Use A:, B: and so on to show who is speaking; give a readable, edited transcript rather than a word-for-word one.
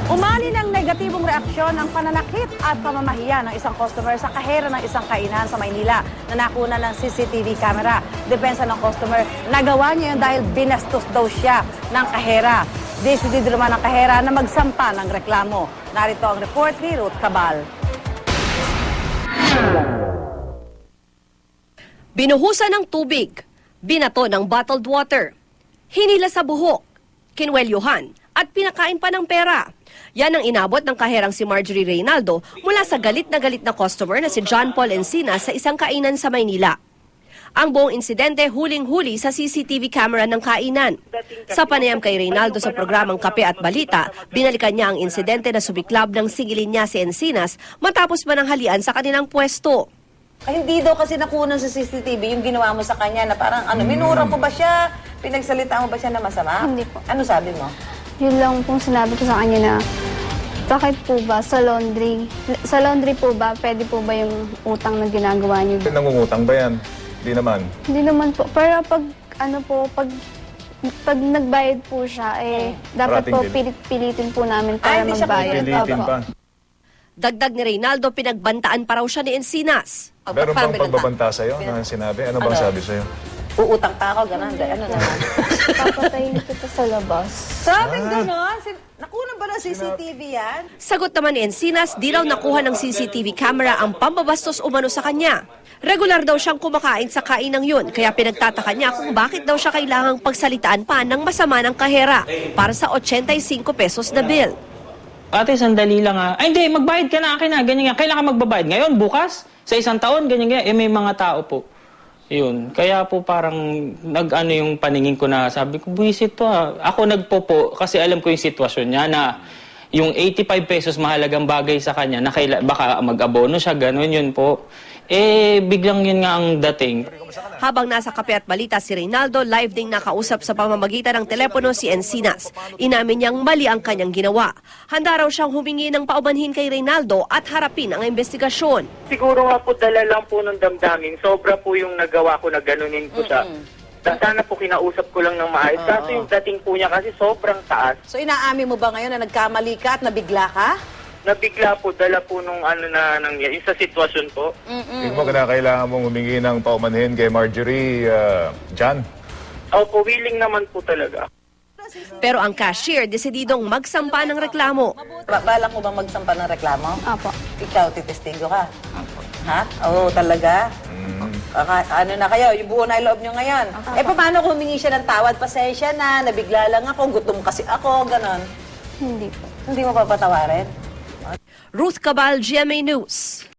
A: Umani ng negatibong reaksyon ng pananakit at pamamahiya ng isang customer sa kahera ng isang kainan sa Maynila na nakuna ng CCTV camera. Depensa ng customer, nagawa niya yun dahil binastos daw siya ng kahera. Decidido naman ng kahera na magsampa ng reklamo. Narito ang report ni Ruth Cabal.
B: Binuhusan ng tubig, binato ng bottled water, hinila sa buhok, kinwelyuhan at pinakain pa ng pera. Yan ang inabot ng kaherang si Marjorie Reynaldo mula sa galit na customer na si John Paul Encinas sa isang kainan sa Maynila. Ang buong insidente huling-huli sa CCTV camera ng kainan. Sa panayam kay Reynaldo sa programang Kape at Balita, binalikan niya ang insidente na subiklab ng sigilin niya si Encinas matapos mananghalian sa kanilang pwesto.
A: Ay, hindi daw kasi nakunan sa CCTV yung ginawa mo sa kanya na parang minura mo ba siya? Pinagsalitaan mo ba siya na masama?
C: Hindi po.
A: Ano sabi mo?
C: Yun lang pong sinabi ko sa kanya na, bakit po ba sa laundry? Sa laundry po ba, pwede po ba yung utang na ginagawa niyo?
D: Nangungutang ba yan? Hindi naman.
C: Hindi naman po. Pero pag, pag nagbayad po siya, dapat
D: Parating
C: po
D: din.
C: pilitin po namin para
A: hindi siya
C: magbayad.
D: Pilitin
C: Opo.
D: pa.
B: Dagdag ni Reynaldo, pinagbantaan pa raw siya ni Encinas.
D: Meron
A: Paano
D: bang pagbabanta sa'yo na sinabi? Ano bang sabi sa'yo?
A: Uutang pa ako, gano'n. Ano naman?
C: Papatayin kita sa labas.
A: Sabing gano'n? Nakunan ba ng CCTV yan?
B: Sagot naman ni Encinas, di raw nakuha ng CCTV camera ang pambabastos umano sa kanya. Regular daw siyang kumakain sa kainang yun, kaya pinagtataka niya kung bakit daw siya kailangang pagsalitaan pa ng masama ng kahera para sa 85 pesos na bill.
E: Ate, sandali lang ha. Ay, hindi, magbayad ka na akin ha. Ganyan nga. Kailangan magbabayad ngayon, bukas, sa isang taon, ganyan nga. May mga tao po. Yun. Kaya po parang nag-ano yung paningin ko na sabi ko, buwisit to ha. Ako nagpopo kasi alam ko yung sitwasyon niya na yung 85 pesos mahalagang bagay sa kanya na baka mag-abono siya, gano'n yun po. Biglang yun nga ang dating.
B: Habang nasa Kape at Balita si Reynaldo, live ding nakausap sa pamamagitan ng telepono si Encinas. Inamin niyang mali ang kanyang ginawa. Handa raw siyang humingi ng paumanhin kay Reynaldo at harapin ang investigasyon.
F: Siguro nga po dala lang po ng damdamin. Sobra po yung nagawa ko na ganunin ko siya. Sana po kinausap ko lang ng maayos. Kaso yung dating po niya kasi sobrang taas.
A: So inaamin mo ba ngayon na nagkamali ka at nabigla ka?
F: Nabigla po, dala po nung ano na nangyari sa sitwasyon po.
D: Tingin mo kailangan mong humingi ng paumanhin kay Marjorie, John?
F: Opo, willing naman po talaga.
B: Pero ang cashier desididong magsampa ng reklamo.
A: Balak mo bang magsampa ng reklamo?
C: Opo.
A: Ikaw, titestigo ka? Ha? Oo, talaga? Ano na kayo? Yung buo na loob nyo ngayon. Paano kung humingi siya ng tawad? Pasensya na, nabigla lang ako, gutom kasi ako, ganon.
C: Hindi po.
A: Hindi mo papatawarin?
B: Ruth Cabal, GMA News.